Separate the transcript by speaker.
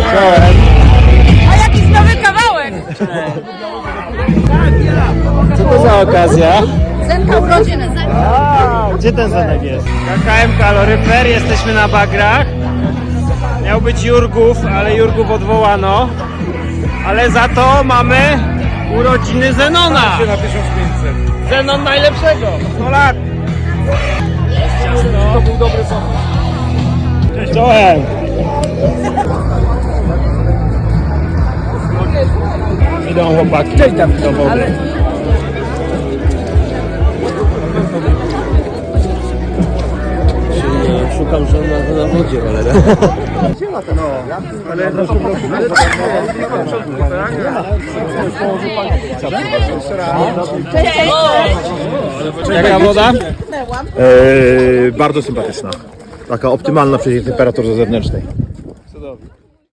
Speaker 1: A jakiś nowy kawałek!
Speaker 2: Co to za okazja?
Speaker 1: Zenka urodziny, Zenka.
Speaker 2: Gdzie ten Zenek jest? KKM Kaloryfer, jesteśmy na bagrach. Miał być Jurgów, ale Jurgów odwołano. Ale za to mamy urodziny Zenona.
Speaker 3: Na 1500.
Speaker 2: Zenon najlepszego. 100 lat. Jest ciasno.
Speaker 3: To był dobry pomysł.
Speaker 2: Cześć, czołem. Idą chłopaki do wody.
Speaker 4: Szukam, że na wodzie, ale...
Speaker 2: Jaka woda?
Speaker 3: Bardzo sympatyczna. Taka optymalna przy tej temperaturze zewnętrznej.